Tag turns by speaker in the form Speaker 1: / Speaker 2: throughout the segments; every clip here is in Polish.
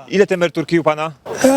Speaker 1: Ile te emeryturki u pana?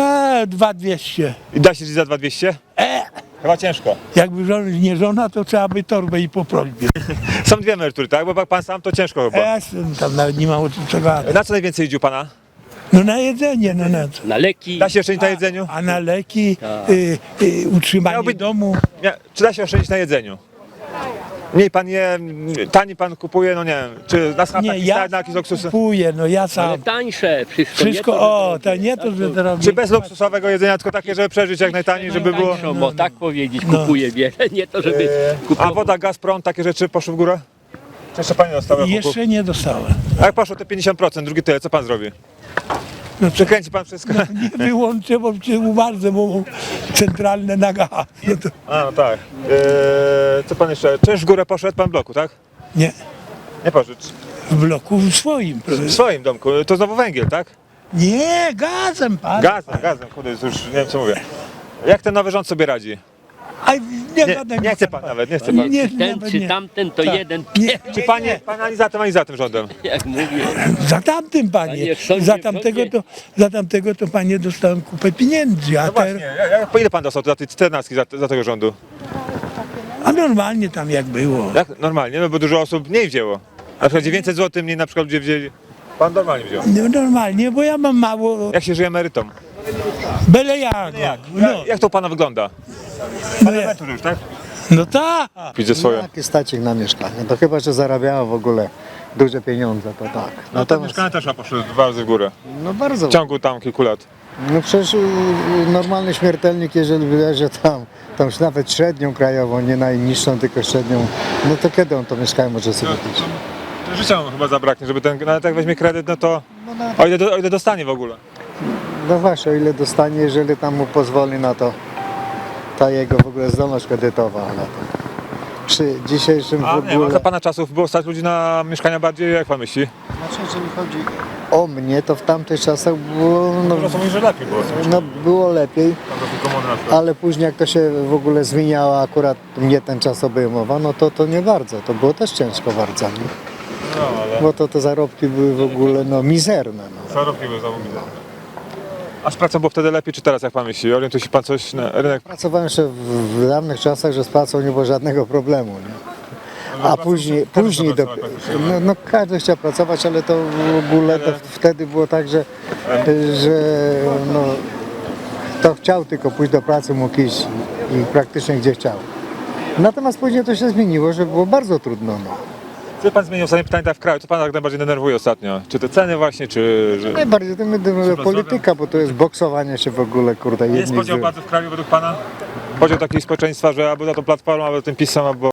Speaker 2: 2200.
Speaker 1: I da się żyć za 2200? Chyba ciężko.
Speaker 2: Jakby nie żona, to trzeba by torbę i po prośbie.
Speaker 1: Są dwie emerytury, tak? Bo jak pan sam to ciężko chyba.
Speaker 2: Tam nawet nie ma o czym gadać.
Speaker 1: Na co najwięcej idzie u pana?
Speaker 2: No na jedzenie, no na co?
Speaker 3: Na leki.
Speaker 1: Da się oszczędzić na jedzeniu?
Speaker 2: A na leki, utrzymanie
Speaker 1: Miałby-
Speaker 2: domu.
Speaker 1: Czy da się oszczędzić na jedzeniu? Mniej pan je, taniej pan kupuje, no nie wiem, czy na schapach
Speaker 2: Nie, ja
Speaker 1: na jakieś luksusy?
Speaker 2: kupuję, no ja
Speaker 3: Ale
Speaker 2: sam.
Speaker 3: tańsze wszystko.
Speaker 2: Wszystko,
Speaker 3: nie to,
Speaker 2: o, to nie to, że teraz...
Speaker 1: Czy bez luksusowego jedzenia, tylko takie, żeby przeżyć jak najtaniej, żeby było...
Speaker 3: tańszą, bo tak powiedzieć, kupuję wiele, nie to żeby
Speaker 1: A
Speaker 3: kupować.
Speaker 1: woda, gaz, prąd, takie rzeczy poszły w górę? Czy jeszcze pani dostała?
Speaker 2: Jeszcze nie dostałem.
Speaker 1: A jak poszło te 50%, drugi tyle, co pan zrobi?
Speaker 2: No,
Speaker 1: Przekręci pan wszystko?
Speaker 2: nie wyłączę, bo się umarzę, bo mam centralne na gaz. No to
Speaker 1: A, no tak. Co pan jeszcze? Czynsz w górę poszedł pan w bloku, tak?
Speaker 2: nie,
Speaker 1: Nie poszedł.
Speaker 2: w bloku swoim.
Speaker 1: W swoim domku. To znowu węgiel, tak?
Speaker 2: Nie, gazem pan.
Speaker 1: Gazem, kurde, już nie wiem co mówię. Jak ten nowy rząd sobie radzi?
Speaker 2: Aj,
Speaker 1: Nie chce pan nawet, nie chce pan.
Speaker 2: Nie,
Speaker 3: Ten
Speaker 2: nawet
Speaker 3: czy
Speaker 2: nie.
Speaker 3: tamten to
Speaker 2: Tak.
Speaker 3: jeden,
Speaker 2: Nie,
Speaker 1: Czy pan ani za tym rządem?
Speaker 3: jak mówię.
Speaker 2: za tamtym panie.
Speaker 3: Panie, w sądzie,
Speaker 2: Za tamtego to panie dostałem kupę pieniędzy, a,
Speaker 1: No właśnie, po ile pan dostał za tej 14 za tego rządu?
Speaker 2: a normalnie tam jak było.
Speaker 1: Jak normalnie, no bo dużo osób mniej wzięło. Na przykład 900 zł mniej na przykład ludzie wzięli. Pan normalnie wziął.
Speaker 2: No, normalnie, bo ja mam mało,
Speaker 1: Jak się żyje emerytom?
Speaker 2: byle jak. No,
Speaker 1: Jak to u pana wygląda?
Speaker 2: no, ja-
Speaker 1: Emerytury już, tak?
Speaker 2: no tak.
Speaker 1: Widzę swoje.
Speaker 4: Jaki stacik na mieszkanie? To chyba, że zarabiała w ogóle duże pieniądze, to tak.
Speaker 1: No to
Speaker 4: Natomiast,
Speaker 1: mieszkania też poszły dwa razy w górę.
Speaker 4: no bardzo.
Speaker 1: W ciągu tam kilku lat.
Speaker 4: No przecież normalny śmiertelnik, jeżeli bierze tam już nawet średnią krajową, nie najniższą, tylko średnią, no to kiedy on to mieszkanie może sobie kupić?
Speaker 1: Życia mu chyba zabraknie, żeby ten, nawet jak weźmie kredyt, no to o ile dostanie w ogóle.
Speaker 4: No właśnie, o ile dostanie, jeżeli tam mu pozwoli na to ta jego w ogóle zdolność kredytowa, ale to przy dzisiejszym
Speaker 1: A
Speaker 4: w
Speaker 1: nie, a
Speaker 4: ogóle...
Speaker 1: za pana czasów było stać ludzi na mieszkania bardziej, jak pan myśli?
Speaker 4: Znaczy, jeżeli chodzi o mnie, to w tamtych czasach było, no,
Speaker 1: Mówią, że lepiej było.
Speaker 4: no było lepiej. Ale później jak to się w ogóle zmieniało, akurat mnie ten czas obejmował, no to nie bardzo, to było też ciężko bardzo, nie?
Speaker 1: No, ale
Speaker 4: Bo to te zarobki były w ogóle no mizerne. No.
Speaker 1: zarobki były zamówione. A z pracą było wtedy lepiej, czy teraz, jak pan myśli? Orientuje się pan coś na rynek?
Speaker 4: Pracowałem jeszcze w dawnych czasach, że z pracą nie było żadnego problemu. Nie? A później no każdy chciał pracować, ale to w ogóle to wtedy było tak, że no, kto chciał tylko pójść do pracy, mógł iść i praktycznie gdzie chciał. Natomiast później to się zmieniło, że było bardzo trudno. No.
Speaker 1: Co pan zmienił ostatnie pytanie tak w kraju? Co pana tak najbardziej denerwuje ostatnio? Czy te ceny właśnie, czy... Że...
Speaker 4: Najbardziej to mnie denerwuje polityka, bo to jest boksowanie się w ogóle, kurde.
Speaker 1: Jest
Speaker 4: jedni z
Speaker 1: podział
Speaker 4: drugich.
Speaker 1: władzy w kraju według pana? Podział takiego społeczeństwa, że albo za tą platformą, albo za tym PiS-em, albo...